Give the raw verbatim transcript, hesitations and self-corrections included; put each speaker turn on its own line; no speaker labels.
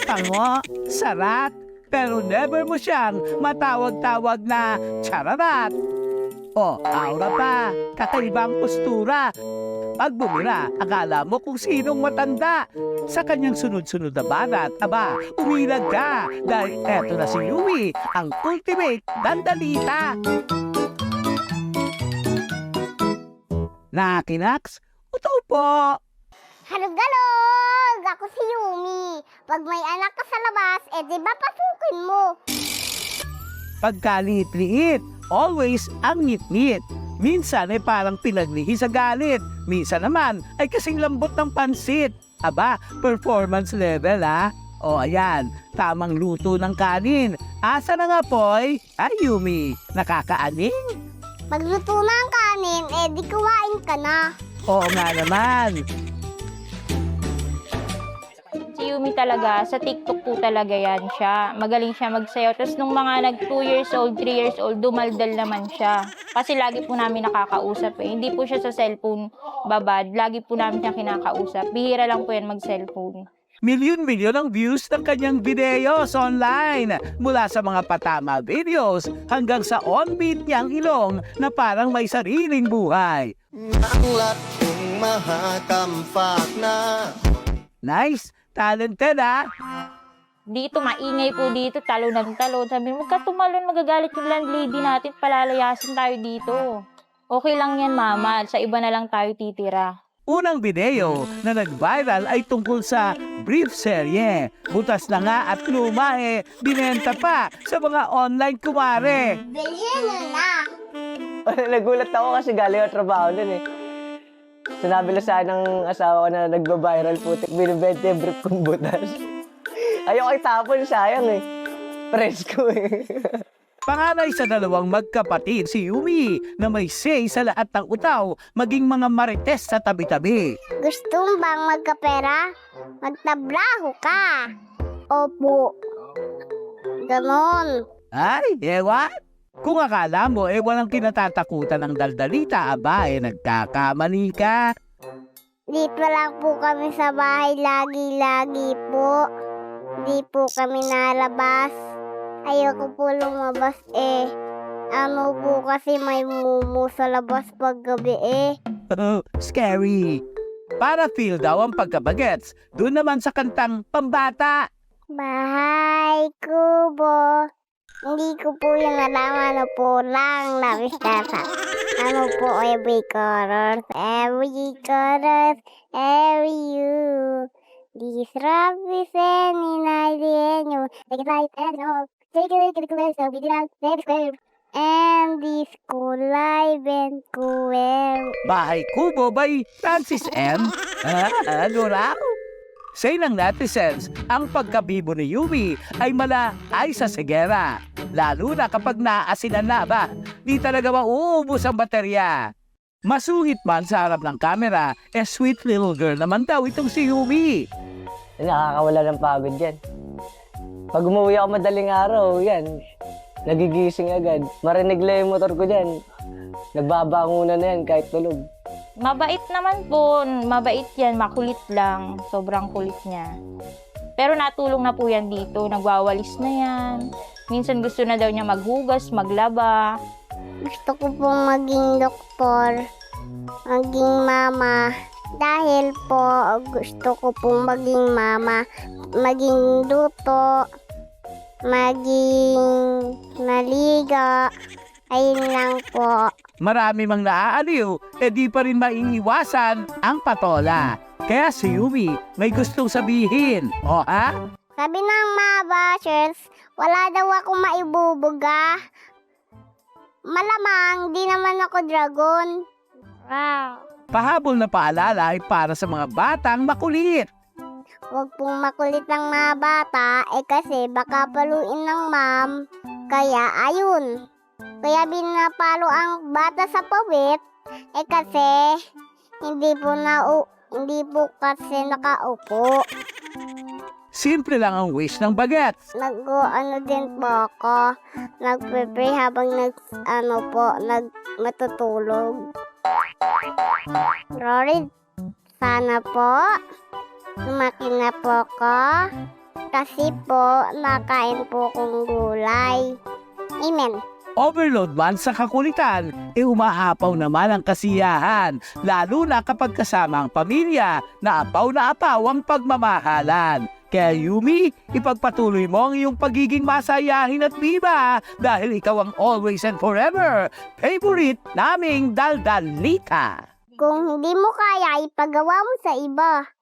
Pango, sarat, pero never mo siyang matawag-tawag na chararat. O, aura pa, kakaibang postura. Pag bumira, akala mo kung sinong matanda. Sa kanyang sunod-sunod na banat, aba, umilag ka. Dahil eto na si Yui, ang ultimate dandalita. Nakinaks, utaw po.
Halog-galog! Ako si Yumi. Pag may anak ka sa labas, eh di ba pasukin mo?
Pagkaliit-liit, always ang ngit-ngit. Minsan ay parang pinaglihi sa galit. Minsan naman ay kasing lambot ng pansit. Aba, performance level ha. O ayan, tamang luto ng kanin. Asa na nga po'y? Ay Yumi, nakakaaning?
Pagluto na ang kanin, eh di kuwain ka na.
Oo nga naman.
Si Yumi talaga, sa TikTok po talaga yan siya. Magaling siya magsayaw. Tapos nung mga nag two years old, three years old, dumaldal naman siya. Kasi lagi po namin nakakausap eh. Hindi po siya sa cellphone babad. Lagi po namin siya kinakausap. Bihira lang po yan mag-cellphone.
Milyon-milyon ang views ng kanyang videos online. Mula sa mga patama videos hanggang sa on-beat niyang ilong na parang may sariling buhay.
Nanglat kong mahakampak na.
Nice! Talented ha?
Dito, maingay po dito, talo ng talo. Sabi mo, huwag ka tumalon, magagalit yung landlady natin, palalayasin tayo dito. Okay lang yan, mama. Sa iba na lang tayo titira.
Unang video na nag-viral ay tungkol sa brief serye. Butas na nga at luma eh, binenta pa sa mga online kumare.
Bilhin mo na.
Nagulat ako kasi galing ang trabaho nun eh. Sinabi lang sa akin ng asawa ko na nagba-viral putik, binibenta yung brief kong butas. Ayoko itapon, sayang eh. Presko eh.
Panganay sa dalawang magkapatid si Yumi na may say sa lahat ng utaw, maging mga marites sa tabi-tabi.
Gusto mo bang magkapera? Magtabraho ka. Opo. Ganon.
Ay, ewan? Kung akala mo eh walang kinatatakutan ng daldalita, aba eh nagkakamali ka.
Dito lang po kami sa bahay lagi-lagi po. Di po kami nalabas. Ayoko po lumabas eh. Ano po kasi may mumu sa labas pag gabi eh.
Oh, scary. Para feel daw ang pagkabagets, doon naman sa kantang Pambata.
Bahay kubo. Hindi ko po yung alam ano po lang nabistasa. Ano po every color, every color, every you. This love is any night in you. Take it like that, no. Take it, take it, take it, so we did not take it. And this cool life and cool.
Bahay Kubo by Francis M. Ah, ano raw? Say ng netizens, ang pagkabibo ni Yumi ay mala ay sa segera. Lalo na kapag naasinan na ba, di talaga mauubos ang baterya. Masuhit man sa harap ng kamera, eh sweet little girl naman daw itong si Yumi.
Nakakawala ng pagod yan. Pag umuwi ako madaling araw, yan. Nagigising agad. Marinig lang yung motor ko dyan. Nagbabangunan na yan kahit tulog.
Mabait naman po, mabait yan, makulit lang. Sobrang kulit niya. Pero natulong na po yan dito, nagwawalis na yan. Minsan gusto na daw niya maghugas, maglaba.
Gusto ko pong maging doktor, maging mama. Dahil po gusto ko pong maging mama, maging luto, maging maliga. Ayun lang po.
Marami mang naaaliw, eh di pa rin maiiwasan ang patola. Kaya si Yumi may gustong sabihin. O ha?
Sabi ng mga bashers, wala daw ako maibubuga. Malamang, di naman ako dragon. Wow.
Pahabol na paalala ay para sa mga batang makulit.
Huwag pong makulit ang mga bata, eh kasi baka paluin ng ma'am. Kaya ayun. Kaya binapalo ang bata sa pawit, eh kasi hindi po na hindi po kasi nakaupo.
Simple lang ang wish ng bagets.
Nag-ano din po ako, nagpe-pray habang nag, ano po, nag matutulog. Rory, sana po, lumaki na po ako. Kasi po, nakain po kong gulay. Amen.
Overload man sa kakulitan, e umaapaw naman ang kasiyahan, lalo na kapag kasama ang pamilya na apaw na apaw ang pagmamahalan. Kaya Yumi, ipagpatuloy mo ang iyong pagiging masayahin at biba dahil ikaw ang always and forever favorite naming daldalita.
Kung hindi mo kaya, ipagawa mo sa iba.